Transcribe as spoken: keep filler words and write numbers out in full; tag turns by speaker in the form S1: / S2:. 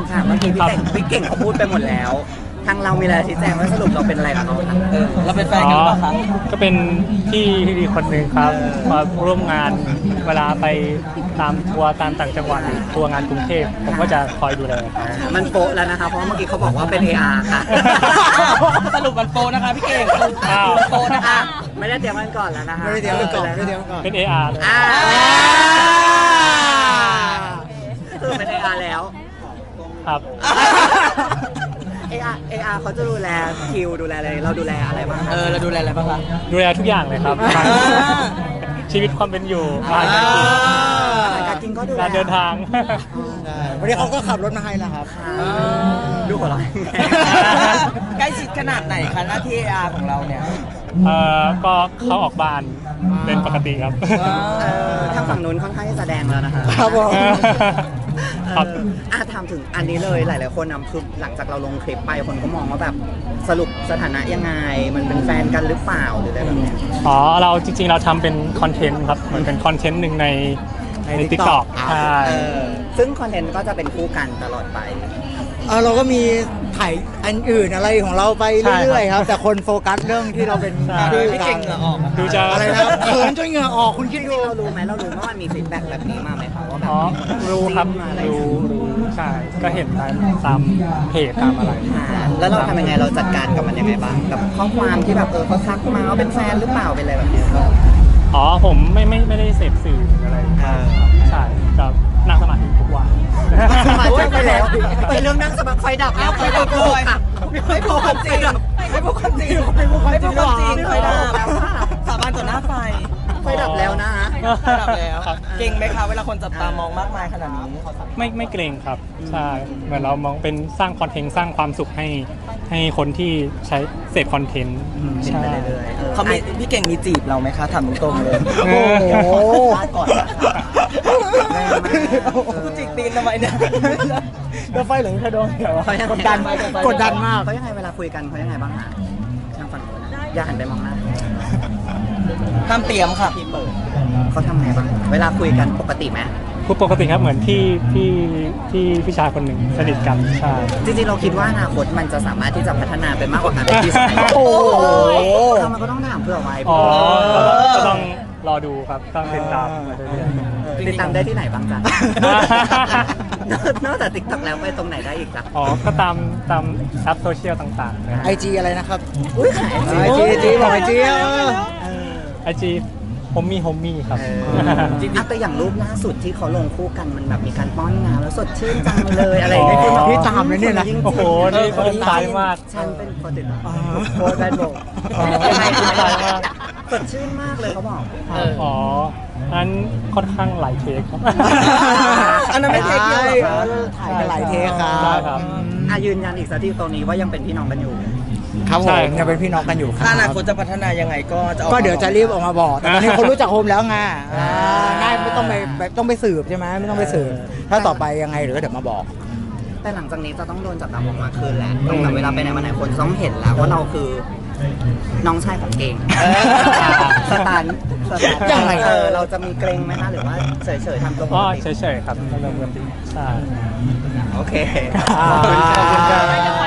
S1: ค่ะเมื่อกี้พี่เก่งพี่เก่งเขาพูดไปหมดแล้วทางเรามีอะไรชี้แจงว่าสรุปเราเป็นอะไรกับเขาคะเออเราเป็นแฟนกันหรือเปล่าคะ
S2: ก็เป็นพี่ที่ดีคนหนึ่งครับมาร่วมงานเวลาไปตามทัวร์ตามต่างจังหวัดหรือทัวร์งานกรุงเทพผมก็จะคอยดูแลครับ
S1: มันโปะแล้วนะคะเพราะเมื่อกี้เขาบอกว่าเป็น เอ อาร์ ค่ะสรุปมันโปะนะคะพี่เก่งโปะนะคะไม่ได้เตรียมกันก่อนแล้วนะคะ
S3: ไม่ได้เตรียมกันก่อนไม่ได้เตรียมกันก่อน
S2: เป็น เอ อาร์ เลย
S1: อ่าคือเป็น เอ อาร์ แล้ว
S2: ครับ
S1: เอ อาร์ เอ อาร์ เขาจะดูแลคิวดูแลอะไรเราดูแลอะไรบ้างเออเราดูแลอะไรบ้างคะ
S2: ดูแลทุกอย่างเลยครับชีวิตความเป็นอยู่การ
S1: การกินก็ดูแล
S2: การเดินทาง
S3: ใช่วันนี้เขาก็ขับรถมาให้แล้วครับ
S1: ดูหัวเราะ
S4: ใกล้ชิดขนาดไหนคะหน้าที่ เอ อาร์ ของเราเนี่ย
S2: เอ่อก็เข้าออกบ้านเป็นปกติครับ
S1: เออทางฝั่งนู้นค่อนข้างที่จะแดงแล้วนะคะ
S3: ครับผม
S2: ครับ
S1: เอออ่ะถามถึงอันนี้เลยหลายๆคนนะคือหลังจากเราลงคลิปไปคนก็มองว่าแบบสรุปสถานะยังไงมันเป็นแฟนกันหรือเปล่าหรืออะไรแบบเนี้ย
S2: อ๋อเราจริงๆเราทำเป็นคอนเทนต์ครับเหมือนเป็นคอนเทนต์หนึ่งในใน
S3: ใน
S2: ติ๊กต็อก
S3: TikTok
S2: ใช่
S1: เออซึ่งคอนเทนต์ก็จะเป็นคู่กันตลอดไป
S3: เออเราก็มีถ่ายอันอื่นอะไรของเราไปเรื่อยๆครับ แต่คนโฟกัสเรื่องที่เราเป็นชื่อ
S4: พี่
S3: กั
S4: เก่
S3: น
S4: งเหงื่อออกอะ
S2: ดูจะ
S3: อะไรนะเขินจนเหงื่อออกคุณคิดดู
S1: เรารู้ไหมเรารู้ว่ามันมีฟีดแบ็กแบบนี้มาไหมคะว่าแบบ
S2: อ๋อ
S1: มีน
S2: รู้ครับ
S1: จิ้มมาอะไร
S2: รู้รู้ใช่ก็เห็นตามตามเพจตามอะไร
S1: อ่าแล้วเราทำยังไงเราจัดการกับมันยังไงบ้างกับข้อความที่แบบเออเขาทักมาว่าเป็นแฟนหรือเปล่าเป็นอะไรแบบเนี้ยก็
S2: อ๋อผมไม่ไม่ไม่ได้เสพสื่ออะไรใช่ก็นั่งสมาธิทุกวัน
S1: มาเจอไปแล้วไปเรื่องนั่งสมาธิไฟดับแล้วไฟดับเลยค่ะไม่พูดความจริงไม่พูดความจริงไม่พูดความจริงไฟดับแล้วค่ะ
S4: สาบานต่อหน้าไฟ
S1: ไฟดับแล้วนะฮะ
S4: ไฟดับแล้ว เก่งไหมคะเวลาคนจับตามองมากมายขนาดนี้
S2: ไม่ไม่เกรงครับใช่เหมือนเรามองเป็นสร้างคอนเทนต์สร้างความสุขให้ให้คนที่ใช้เสพคอนเทนต์
S1: เห็น
S2: ใช่
S1: ไปเรื่อยๆ
S4: เขามีพี่เก่งมีจีบเราไหมคะถามตรงๆเลย
S2: โอ้โห
S4: ก่อนกูจิกตีนทำไมเนี่ย
S3: แล้วไฟเหลืองกระโดงเดี๋ยว
S1: เขายัง
S3: กดดันกดดันมาก
S1: เขายังไงเวลาคุยกันเขายังไงบ้างฮะทางฝั่งนู้นนะอย่าหันไปมองหน้า
S4: ห้ามเตรียมค่ะ
S1: พี่เปิดเขาทำไงบ้างเวลาคุยกันปกติไหม
S2: พูดปกติครับเหมือนที่ที่ที่พี่ชายคนหนึ่งสนิทกันใช่
S1: จริงๆเราคิดว่าอนาคตมันจะสามารถที่จะพัฒนาไปมากกว่าการเป็นพี่ชาย
S3: โอ้โห
S1: ทำมันก็ต้องถามเพื่อไว้
S2: อ๋อ
S1: เอ
S2: ก็
S1: อ
S2: ต้องรอดูครับต้องติดตามมาเรื่อยๆ
S1: ติดตามได้ที่ไหนบ้างจ๊ะ นอกจากติ๊กต็อกแล้วไปตรงไหนได้อีกจ๊ะ
S2: อ๋อ ก็ตามตามแอปโซเชียลต่างๆนะ
S3: ไอจีอะไรนะครับ
S1: อุ้ยขาย
S3: ไอจีไอจีบอกไอจีเออ
S2: ไอจีผมมีโฮมมี่ครับ
S1: จริงๆแต่อย่างรูปล่าสุดที่เขาลงคู่กันมันแบบมีการป้อนงานแล้วสดชื่นจังเลยอะไรอย่างเงี้ย
S2: อ๋อ
S3: พี่ตามเลยเนี่ยนะ
S2: โอ้โหนี่คนตายมาก
S1: ฉันเป็นคนติดตามโคตรแบดบอก
S2: อ๋อคนตายมาก
S1: สดชื่นมากเลยเขาบอก
S2: อ๋ออันค่อนข้างหลายเทคครับ
S1: อันนั้นไม่เทคเดียวเหรอคะ
S3: ถ่ายกันหลายเทคครั
S2: ได้
S3: บ
S2: ครับ
S1: อ่ะยืนยันอีกสักทีตรงนี้ว่ายังเป็นพี่น้องกันอยู่
S3: ครับผ
S2: ใช่
S3: มยังเป็นพี่น้องกันอยู่ครั
S4: ถ้าอนาคตจะพัฒนายังไงก็จะออกมา
S3: ก็เดี๋ยวจะรีบออกมาบอกแต่ตอนนี้คนรู้จักโฮมแล้วไง
S4: อ่า
S3: ง่ายไม่ต้องไปแบบต้องไปสืบใช่ไหมไม่ต้องไปสืบถ้าต่อไปยังไงเดี๋ยวก็เดี๋ยวมาบอก
S1: แต่หลังจากนี้จะต้องโดนจับตามองมากขึ้นแหละต้องแบบเวลาไปไหนมาไหนคนจะต้องเห็นแล้วว่าเราคือน้องชายของเก่งสตันสตัน
S3: ยังไง
S1: เออเราจะมีเกรงไหมคะหรือว่าเฉยๆทำตัวป
S2: ก็
S1: กติ
S2: เฉยๆครับเรื่องปกติใช่
S1: โอเค
S3: ขอบคุณครับ